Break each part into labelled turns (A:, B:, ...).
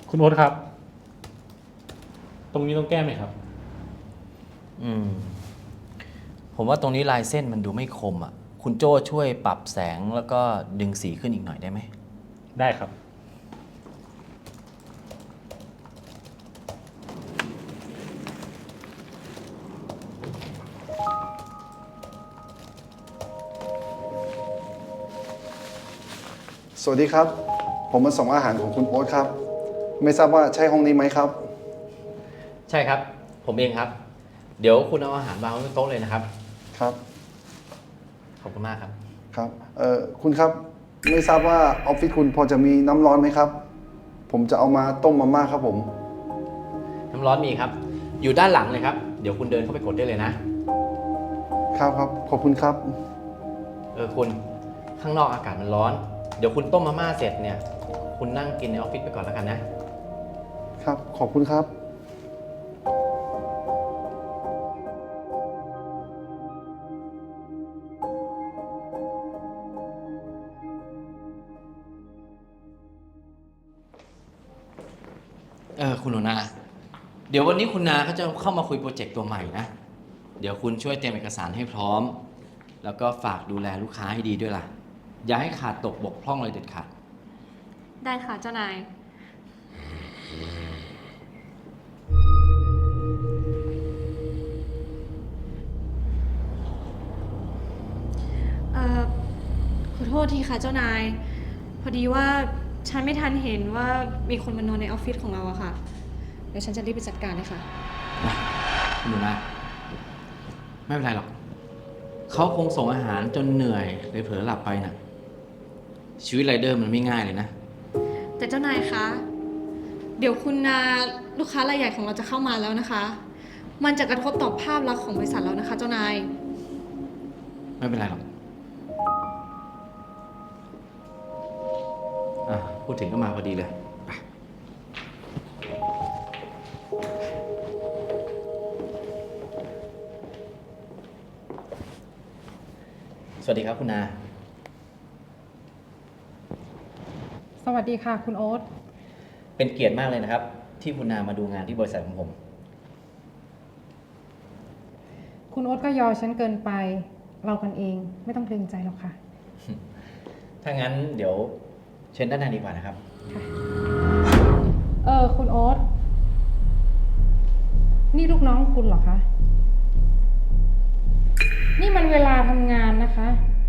A: คุณโอ๊ตครับ ตรงนี้ต้องแก้ไหมครับ
B: ผมว่าตรงนี้ลายเส้นมันดูไม่คมอ่ะ คุณโจ้ช่วยปรับแสงแล้วก็ดึงสีขึ้นอีกหน่อยได้ไหม
A: ได้ครับ
C: สวัสดีครับ ผมมาส่งอาหารของคุณโอ๊ตครับ ไม่ทราบว่าใช่ห้องนี้ไหมครับ
B: ใช่ครับ ผมเองครับ เดี๋ยวคุณเอาอาหารวางไว้บนโต๊ะเลยนะครับ
C: ครับ
B: ขอบคุณมากครับ
C: ครับ คุณครับ ไม่ทราบว่าออฟฟิศคุณพอจะมีน้ำร้อนไหมครับ ผมจะเอามาต้มมาม่าครับผม
B: น้ำร้อนมีครับ อยู่ด้านหลังเลยครับ เดี๋ยวคุณเดินเข้าไปกดได้เลยนะ
C: ครับครับ ขอบคุณครับ
B: คุณข้างนอกอากาศมันร้อน เดี๋ยวคุณต้มมาม่าเสร็จเนี่ย คุณนั่งกินในออฟฟิศไปก่อนแล้วกันนะ
C: ครับ ขอบคุณครับ
B: คุณหนูนา เดี๋ยววันนี้คุณนาเขาจะเข้ามาคุยโปรเจกต์ตัวใหม่นะ เดี๋ยวคุณช่วยเตรียมเอกสารให้พร้อม แล้วก็ฝากดูแลลูกค้าให้ดีด้วยล่ะ อย่าให้ขาดตกบกพร่องเลยเด็ดขาด
D: ได้ค่ะเจ้านาย ขอโทษทีค่ะเจ้านาย พอดีว่าฉันไม่ทันเห็นว่ามีคนมานอนในออฟฟิศของเราอะค่ะ เดี๋ยวฉันจะรีบไปจัดการเลยค่ะ
B: คุณหนูนาไม่เป็นไรหรอก เขาคงส่งอาหารจนเหนื่อยเลยเผลอหลับไปน่ะ ชีวิตไรเดอร์มันไม่ง่ายเลยนะ
D: แต่เจ้านายคะ เดี๋ยวคุณนาลูกค้ารายใหญ่ของเราจะเข้ามาแล้วนะคะ มันจะกระทบต่อภาพลักษณ์ของบริษัทเรานะคะ เจ้านาย
B: ไม่เป็นไรหรอกพูดถึงก็มาพอดีเลยไปสวัสดีครับคุณนา
E: สวัสดีค่ะคุณโอ๊ต
B: เป็นเกียรติมากเลยนะครับ ที่คุณนามาดูงานที่บริษัทของผม
E: คุณโอ๊ตก็ยอฉันเกินไป เรากันเองไม่ต้องเกรงใจหรอกค่ะ
B: ถ้างั้นเดี๋ยวเชิญด้านในดีกว่านะครับ
E: คุณโอ๊ต นี่ลูกน้องคุณเหรอคะ นี่มันเวลาทำงานนะคะ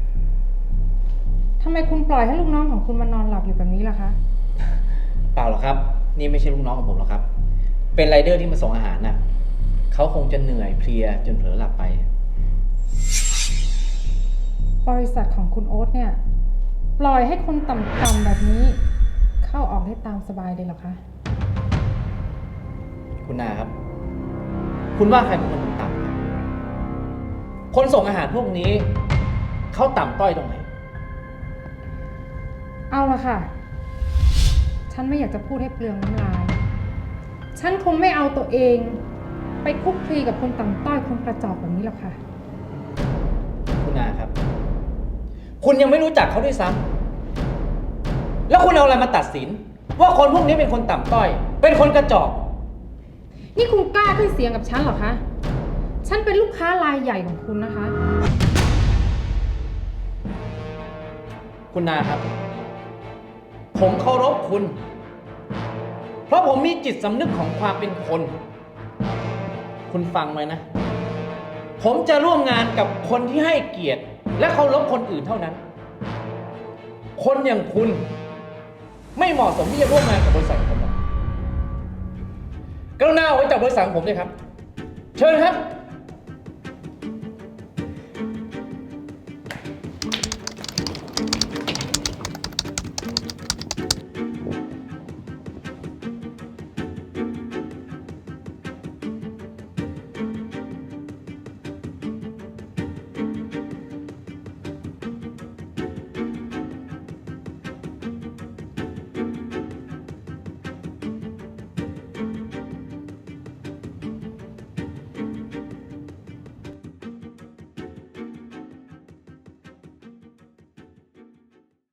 E: ทำไมคุณปล่อยให้ลูกน้องของคุณมานอนหลับอยู่แบบนี้ล่ะคะ
B: เปล่าหรอกครับ นี่ไม่ใช่ลูกน้องของผมหรอกครับ เป็นไรเดอร์ที่มาส่งอาหารน่ะเขาคงจะเหนื่อยเพลียจนเผลอหลับไป
E: บริษัทของคุณโอ๊ตเนี่ย ปล่อยให้คนต่ำๆแบบนี้ เข้าออกได้ตามสบายเลยเหรอคะ
B: คุณนาครับ คุณว่าใครเป็นคนต่ำครับ คนส่งอาหารพวกนี้เขาต่ำต้อยตรงไหน
E: เอาละค่ะ ฉันไม่อยากจะพูดให้เปลืองน้ำลาย ฉันคงไม่เอาตัวเอง ไปคลุกคลีกับคนต่ำต้อยคนกระจอกแบบนี้หรอกค่ะ
B: คุณนาครับ คุณยังไม่รู้จักเขาด้วยซ้ำแล้วคุณเอาอะไรมาตัดสิน ว่าคนพวกนี้เป็นคนต่ำต้อย เป็นคนกระจอก
E: นี่คุณกล้าขึ้นเสียงกับฉันเหรอคะ ฉันเป็นลูกค้ารายใหญ่ของคุณนะคะ
B: คุณนาครับ ผมเคารพคุณ เพราะผมมีจิตสำนึกของความเป็นคน คุณฟังไว้นะ ผมจะร่วมงานกับคนที่ให้เกียรติ และเคารพคนอื่นเท่านั้น คนอย่างคุณ ไม่เหมาะสมที่จะร่วมงานกับบริษัทของผมหรอกกรุณาออกไปจากบริษัทของผมด้วยครับ เชิญครับ